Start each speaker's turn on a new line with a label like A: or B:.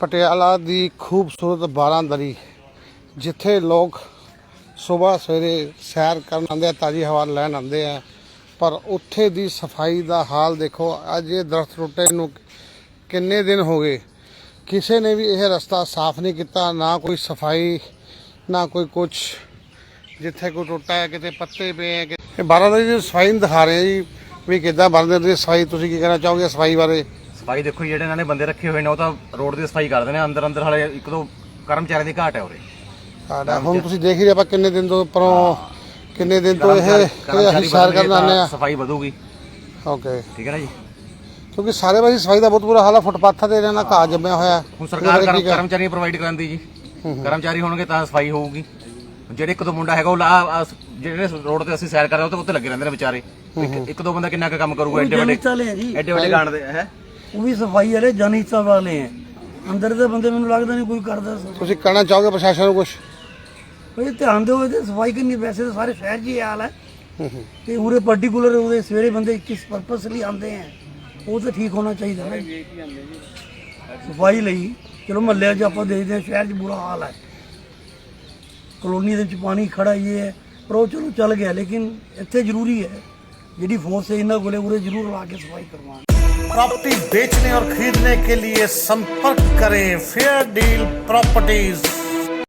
A: पटियाला दी खूबसूरत बारांदरी जिथे लोग सुबह सवेरे सैर करन आते हैं, ताज़ी हवा लैन आते हैं, पर उत्थे दी सफाई का हाल देखो। अज ये दरख्त टुटे नूं किन्ने दिन हो गए, किसी ने भी यह रस्ता साफ नहीं किया, ना कोई सफाई ना कोई कुछ। जिथे कोई टुटा है कितने पत्ते पे हैं। कि बारांदरी की सफाई नहीं दिखा रहे जी भी किदा बारांदरी की सफाई। तुसीं की कहना चाहोगे सफाई बारे?
B: सफाई देखो ਜਿਹੜੇ ਇਹਨਾਂ ਨੇ ਬੰਦੇ ਰੱਖੇ ਹੋਏ ਨੇ ਉਹ ਤਾਂ ਰੋਡ ਦੀ ਸਫਾਈ ਕਰਦੇ ਨੇ, ਅੰਦਰ ਅੰਦਰ ਹਲੇ ਇੱਕ ਦੋ ਕਰਮਚਾਰੀਆਂ ਦੀ ਘਾਟ ਹੈ ਉਰੇ।
A: ਹੁਣ ਤੁਸੀਂ ਦੇਖ ਹੀ ਰਹੇ ਆਪਾਂ ਕਿੰਨੇ ਦਿਨ ਤੋਂ ਪਰੋਂ ਕਿੰਨੇ ਦਿਨ ਤੋਂ ਇਹ ਅਸੀਂ ਸੈਰ ਕਰਨ ਆਉਂਦੇ ਆ।
B: ਸਫਾਈ ਵਧੂਗੀ।
A: ਓਕੇ
B: ਠੀਕ ਹੈ ਨਾ ਜੀ,
A: ਕਿਉਂਕਿ ਸਾਰੇ ਪਾਸੇ ਸਫਾਈ ਦਾ ਬਹੁਤ ਬੁਰਾ ਹਾਲ ਆ। ਫੁੱਟਪਾਥਾਂ ਤੇ ਇਹਨਾਂ ਘਾਹ ਜੰਮਿਆ ਹੋਇਆ।
B: ਹੁਣ ਸਰਕਾਰ ਕਰਮਚਾਰੀ ਪ੍ਰੋਵਾਈਡ ਕਰਾਂਦੀ ਜੀ, ਕਰਮਚਾਰੀ ਹੋਣਗੇ ਤਾਂ ਸਫਾਈ ਹੋਊਗੀ। ਜਿਹੜੇ ਇੱਕ ਦੋ ਮੁੰਡਾ ਹੈਗਾ ਉਹ ਜਿਹੜੇ ਰੋਡ ਤੇ ਅਸੀਂ ਸੈਰ ਕਰ ਰਹੇ ਉਹ ਉੱਤੇ ਲੱਗੇ ਰਹਿੰਦੇ ਨੇ ਵਿਚਾਰੇ। ਇੱਕ ਦੋ ਬੰਦਾ ਕਿੰਨਾ ਕੁ ਕੰਮ ਕਰੂਗਾ? ਐਡੇ ਵੱਡੇ ਗਾਂਡ ਦੇ ਹੈ।
C: ਉਹ ਵੀ ਸਫਾਈ ਵਾਲੇ ਜਨਹਿਤਾ ਵਾਲੇ ਹੈ, ਅੰਦਰ ਦੇ ਬੰਦੇ ਮੈਨੂੰ ਲੱਗਦਾ ਨਹੀਂ ਕੋਈ ਕਰਦਾ।
A: ਤੁਸੀਂ ਕਹਿਣਾ ਚਾਹੋਗੇ ਪ੍ਰਸ਼ਾਸਨ ਨੂੰ ਕੁਝ?
C: ਭਾਈ ਧਿਆਨ ਦਿਓ ਇਹਦੇ ਸਫਾਈ ਕਰਨੀ। ਵੈਸੇ ਤਾਂ ਸਾਰੇ ਸ਼ਹਿਰ 'ਚ ਹੀ ਹਾਲ ਹੈ ਤੇ ਉਰੇ ਪਰਟੀਕੂਲਰ ਉਹਦੇ ਸਵੇਰੇ ਬੰਦੇ ਕਿਸ ਪਰਪਸ ਲਈ ਆਉਂਦੇ ਹੈ, ਉਹ ਤਾਂ ਠੀਕ ਹੋਣਾ ਚਾਹੀਦਾ ਨਾ ਸਫਾਈ ਲਈ। ਚਲੋ ਮਹੱਲਿਆਂ 'ਚ ਆਪਾਂ ਦੇਖਦੇ ਹਾਂ ਸ਼ਹਿਰ 'ਚ ਬੁਰਾ ਹਾਲ ਹੈ, ਕਲੋਨੀ ਦੇ ਵਿੱਚ ਪਾਣੀ ਖੜਾ ਹੀ ਹੈ, ਪਰ ਉਹ ਚਲੋ ਚੱਲ ਗਿਆ। ਲੇਕਿਨ ਇੱਥੇ ਜ਼ਰੂਰੀ ਹੈ ਜਿਹੜੀ ਫੋਰਸ ਹੈ ਇਹਨਾਂ ਕੋਲੇ ਉਰੇ ਜ਼ਰੂਰ ਲਾ ਕੇ सफाई करवाएं।
D: प्रॉपर्टी बेचने और खरीदने के लिए संपर्क करें फेयर डील प्रॉपर्टीज।